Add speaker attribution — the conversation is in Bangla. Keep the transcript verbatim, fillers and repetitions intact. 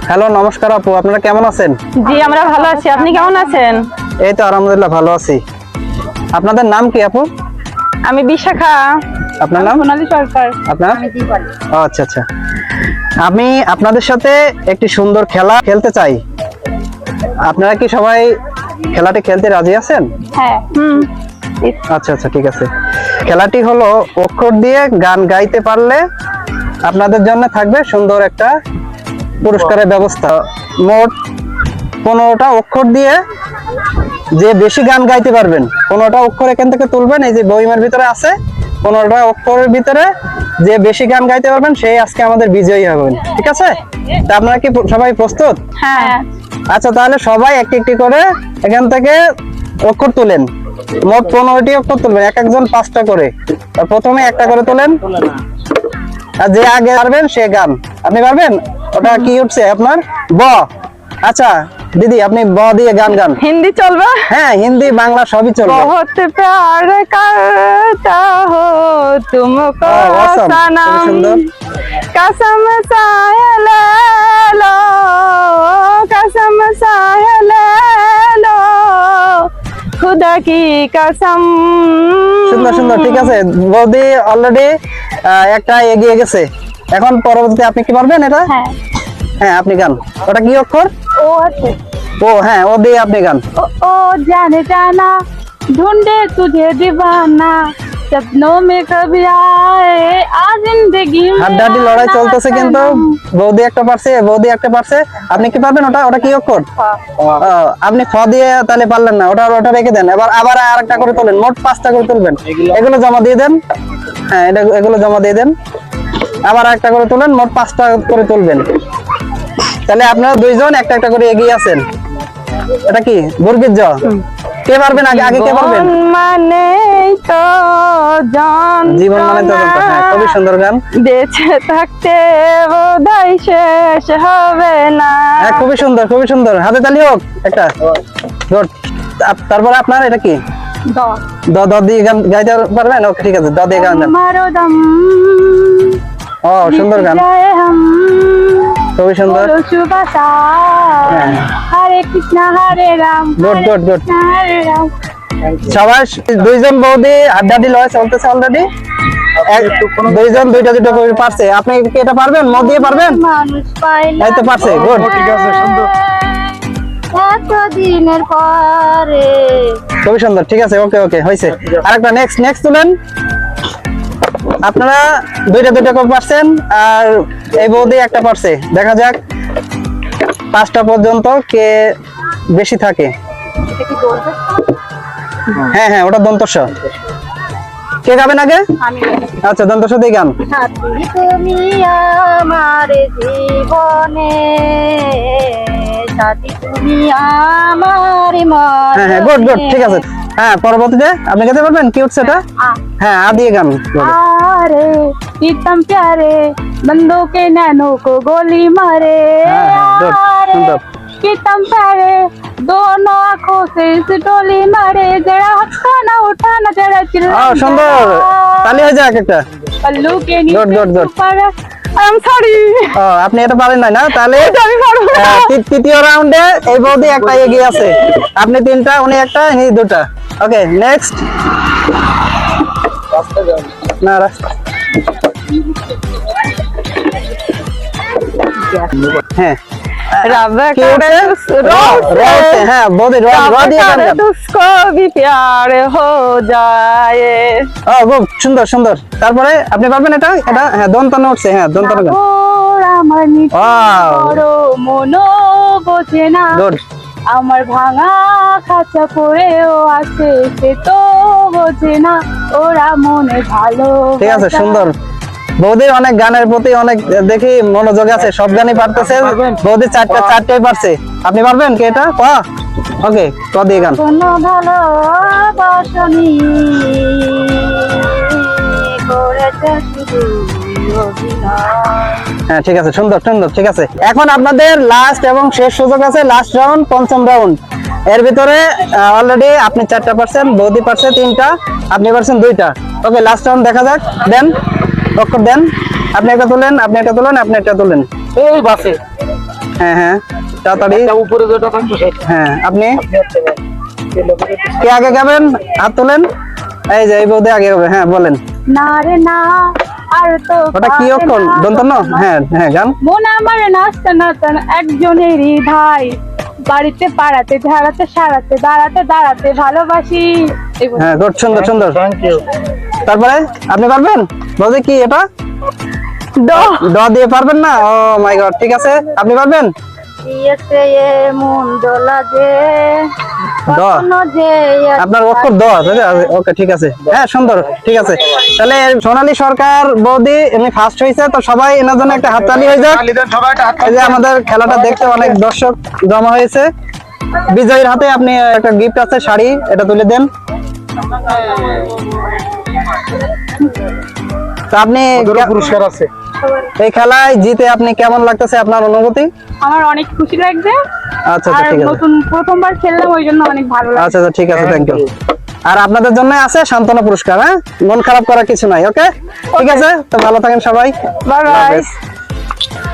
Speaker 1: হ্যালো, নমস্কার আপু, আপনারা কেমন আছেন?
Speaker 2: জি আমরা ভালো আছি, আপনি কেমন আছেন?
Speaker 1: এই তো আলহামদুলিল্লাহ ভালো আছি। আপনাদের নাম কি আপু?
Speaker 2: আমি বিশাখা।
Speaker 1: আপনার নাম?
Speaker 2: সোনালী সরকার।
Speaker 1: আপনার? ও আচ্ছা আচ্ছা। আমি আপনাদের সাথে একটি সুন্দর খেলা খেলতে চাই। আপনারা কি সবাই খেলাটি খেলতে রাজি আছেন?
Speaker 2: হ্যাঁ। হুম।
Speaker 1: আচ্ছা আচ্ছা, ঠিক আছে। খেলাটি হলো অক্ষর দিয়ে গান গাইতে পারলে আপনাদের জন্য থাকবে সুন্দর একটা পুরস্কারের ব্যবস্থা। মোট পনেরোটা অক্ষর দিয়ে যে বেশি গান গাইতে পারবেন, পনেরোটা অক্ষর এখান থেকে তুলবেন, এই যে বইমের ভিতরে আছে, পনেরোটা অক্ষরের ভিতরে যে বেশি গান গাইতে পারবেন সেই আজকে আমাদের বিজয়ী হবেন। ঠিক আছে? তা আপনারা কি সবাই প্রস্তুত?
Speaker 2: হ্যাঁ।
Speaker 1: আচ্ছা, তাহলে সবাই একটি একটি করে এখান থেকে অক্ষর তুলেন। মোট পনেরোটি অক্ষর তুলবেন, এক একজন পাঁচটা করে। প্রথমে একটা করে তোলেন, আর যে আগে পারবেন সে গান। আপনি পারবেন? ওটা কি উঠছে আপনার? ব। আচ্ছা দিদি, আপনি ব দিয়ে গান গান।
Speaker 2: হিন্দি চলবে?
Speaker 1: হ্যাঁ, হিন্দি বাংলা সবই চলবে।
Speaker 2: বহুত প্যার করতা হো তুমকো সনম, कसम साए ले लो, कसम साए ले लो, खुदा की कसम।
Speaker 1: সুন্দর সুন্দর, ঠিক আছে। বৌদি অলরেডি একটা এগিয়ে গেছে। এখন পরবর্তী আপনি কি পারবেন এটা?
Speaker 2: হ্যাঁ
Speaker 1: হ্যাঁ, আপনি গান। ওটা কি অক্ষর?
Speaker 2: ও আছে।
Speaker 1: ও হ্যাঁ, ও দিয়ে আপনি গান।
Speaker 2: ओ ओ जाने जाना ढूंढे तुझे दीवाना सपनों में कभी आए आ जिंदगी में।
Speaker 1: হাড্ডাহাড্ডি লড়াই চলতেছে, কিন্তু বৌদি একটা পারছে, বৌদি একটা পারছে। আপনি কি পারবেন ওটা? ওটা কি অক্ষর? ও, আপনি খ দিয়ে তাহলে পারলেন না, ওটা ওটা রেখে দেন। এবার আবার আরেকটা করে তোলেন, মোট পাঁচটা করে তুলবেন। এগুলো জমা দিয়ে দেন। হ্যাঁ, এটা এগুলো জমা দিয়ে দেন। আবার একটা করে তুলেন, মোট পাঁচটা করে তুলবেন। তাহলে আপনারা দুইজন একটা একটা করে এগিয়ে আছেন। এটা কি? বর্গীর জ। কে পারবেন আগে? আগে কে পারবেন?
Speaker 2: মানে তো জান,
Speaker 1: জীবন মানে তো যন্ত্রণা। হ্যাঁ, খুবই সুন্দর গান।
Speaker 2: বেঁচে থাকতে বোধহয় শেষ হবে না।
Speaker 1: হ্যাঁ, খুবই সুন্দর, খুবই সুন্দর। হাতে তালি হোক একটা। গুড। তারপরে আপনার এটা কি?
Speaker 2: দ
Speaker 1: দ দ দিয়ে গান গাইতে পারবেন? ওকে, ঠিক আছে, দ দিয়ে গান গান।
Speaker 2: মারো দম,
Speaker 1: ও সুন্দর গান,
Speaker 2: জয় হাম,
Speaker 1: খুবই সুন্দর।
Speaker 2: বলো শুভ সার,
Speaker 1: হ্যাঁ।
Speaker 2: Hare Krishna Hare Ram,
Speaker 1: good good good.
Speaker 2: Krishna Hare Ram.
Speaker 1: সবাই দুইজন বৌদি হাড্ডাহাড্ডি লড়াই চলতেছে অলরেডি। দুইজন দুইটা দুটো করে পারছে। আপনি কি এটা পারবেন? ম দিয়ে পারবেন?
Speaker 2: মানুষ পাইলাম
Speaker 1: এই তো পারছে। গুড, ঠিক আছে, সুন্দর,
Speaker 2: এতদিনের পরে।
Speaker 1: খুবই সুন্দর, ঠিক আছে, ওকে ওকে, হয়েছে। আরেকটা নেক্সট নেক্সট তুলেন। আপনারা দুইটা দুইটা করে পারছেন, আর এই বৌদি একটা পারছে। দেখা যাক পাঁচটা পর্যন্ত কে বেশি থাকে। হ্যাঁ হ্যাঁ, ওটা দন্তস্ব। কে গাবেন আগে? আচ্ছা, দন্তস্ব দিয়ে গান।
Speaker 2: সাথী তুমি আমার জীবনে, সাথী তুমি আমার মনে।
Speaker 1: হ্যাঁ হ্যাঁ, গুড গুড, ঠিক আছে। হ্যাঁ, পরবর্তীতে আপনি গাইতে পারবেন? কি উঠছে এটা? হ্যাঁ, আ দিয়ে গান।
Speaker 2: আরে প্रीतम प्यारे बंदों के नैनों को गोली मारे,
Speaker 1: गुड, सुंदर।
Speaker 2: प्रीतम प्यारे दोनों आंखों से इस डोली मारे, जरा हटाना उठाना जरा चिल्ला।
Speaker 1: ও সুন্দর, তালি হয়ে যাক একটা।
Speaker 2: पल्लू के
Speaker 1: Good, good, good.
Speaker 2: नीचे আই এম সরি।
Speaker 1: ও, আপনি এটা পারেন নাই না? তাহলে
Speaker 2: আমি পারবো না।
Speaker 1: আহ, তৃ- তৃতীয় রাউন্ডে এই বৌদি একটা এগিয়ে আছে। আপনি তিনটা, উনি একটা, ইনি দুটা। Okay, next. না, রাস্তা। হ্যাঁ,
Speaker 2: रब
Speaker 1: কি
Speaker 2: करे
Speaker 1: উঠছে?
Speaker 2: उस
Speaker 1: র, র উঠছে। হ্যাঁ, বৌদি র, র
Speaker 2: रब
Speaker 1: দিয়ে গান
Speaker 2: करे
Speaker 1: গান।
Speaker 2: उसको भी प्यार हो जाए।
Speaker 1: ও, খুব সুন্দর সুন্দর। তারপরে আপনি পারবেন এটা? এটা হ্যাঁ, দন্তন উঠছে। হ্যাঁ, দন্তন গান।
Speaker 2: ওরা মানি
Speaker 1: Wow.
Speaker 2: বড় মনো বোঝে না,
Speaker 1: গুড।
Speaker 2: আমার ভাঙা খাঁচা পড়েও আছে সে তো বোঝে না, ওরা মনে ভালো।
Speaker 1: ঠিক আছে, সুন্দর। বৌদির অনেক গানের প্রতি অনেক দেখি মনোযোগ আছে, সব গানই পারতেছে। বৌদি চারটা চারটাই পারছে। আপনি পারবেন কি এটা? ক। ওকে, ক দিয়ে গান।
Speaker 2: কোনো ভালোবাসনি করেছে শুধু অভিনয়।
Speaker 1: হ্যাঁ, ঠিক আছে, সুন্দর সুন্দর, ঠিক আছে। এখন আপনাদের লাস্ট এবং শেষ সুযোগ আছে, লাস্ট রাউন্ড, পঞ্চম রাউন্ড। এর ভিতরে অলরেডি আপনি চারটা পারছেন, বৌদি পারছে তিনটা, আপনি পারছেন দুইটা। ওকে, লাস্ট রাউন্ড দেখা যাক। দেন অক্ষর দেন। আপনি একটা তুলেন, আপনি একটা তুলেন, আপনি একটা তুলেন।
Speaker 3: এই বাসে
Speaker 1: হ্যাঁ হ্যাঁ তাড়াতাড়ি।
Speaker 3: উপরে যেটা থাকতো সেটা
Speaker 1: হ্যাঁ আপনি
Speaker 3: আপনি হচ্ছে ভাই এই লোকের
Speaker 1: কে আগে গাবেন? হাত তোলেন। এই যে এই বৌদি আগে গাবে। হ্যাঁ বলেন।
Speaker 2: না রে না আর তো
Speaker 1: ওটা কি
Speaker 2: পারে
Speaker 1: অক্ষর?
Speaker 2: না
Speaker 1: দন্ত ন? হ্যাঁ হ্যাঁ গান।
Speaker 2: মন আমার নাচতে নাচতে একজনেরই ধাই, বাড়িতে পাড়াতে ঝাড়াতে সারাতে দাঁড়াতে দাঁড়াতে ভালোবাসি। এই বলে।
Speaker 1: হ্যাঁ গুড, সুন্দর সুন্দর।
Speaker 3: Thank you.
Speaker 1: তারপরে আপনি পারবেন? বৌদি কি এটা?
Speaker 2: দ
Speaker 1: ড দিয়ে পারবেন না? ও মাই গড, ঠিক আছে আপনি পারবেন।
Speaker 2: ইয়েতে এ মন দোলা যে
Speaker 1: দ।
Speaker 2: কখনো যে
Speaker 1: আপনার অক্ষর দ। ওকে ঠিক আছে, হ্যাঁ সুন্দর, ঠিক আছে। তাহলে সোনালী সরকার বৌদি এমনি ফার্স্ট হয়েছে, তো সবাই এনার জন্য একটা হাততালি হয়ে যাক।
Speaker 3: তালি দেন সবাই একটা হাত
Speaker 1: এই যে আমাদের খেলাটা দেখতে অনেক দর্শক জমা হয়েছে। বিজয়ীর হাতে আপনি একটা গিফট আছে, শাড়ি, এটা তুলে দেন। তো আপনি
Speaker 3: ওদেরও পুরস্কার আছে।
Speaker 1: এই খেলায় জিতে আপনি কেমন লাগতেছে, আপনার অনুভূতি?
Speaker 2: আমার অনেক খুশি লাগছে।
Speaker 1: আচ্ছা
Speaker 2: আর
Speaker 1: আচ্ছা ঠিক আছে,
Speaker 2: নতুন প্রথমবার খেললাম ওই জন্য অনেক ভালো লাগছে।
Speaker 1: আচ্ছা আচ্ছা ঠিক আছে, থ্যাংক ইউ। আর আপনাদের জন্য আছে সান্ত্বনা পুরস্কার। হ্যাঁ, মন খারাপ করার কিছু নাই। ওকে ঠিক আছে, তো ভালো থাকেন সবাই।
Speaker 2: বাই
Speaker 1: আল্লাহ
Speaker 2: বাই।
Speaker 1: হাফেজ।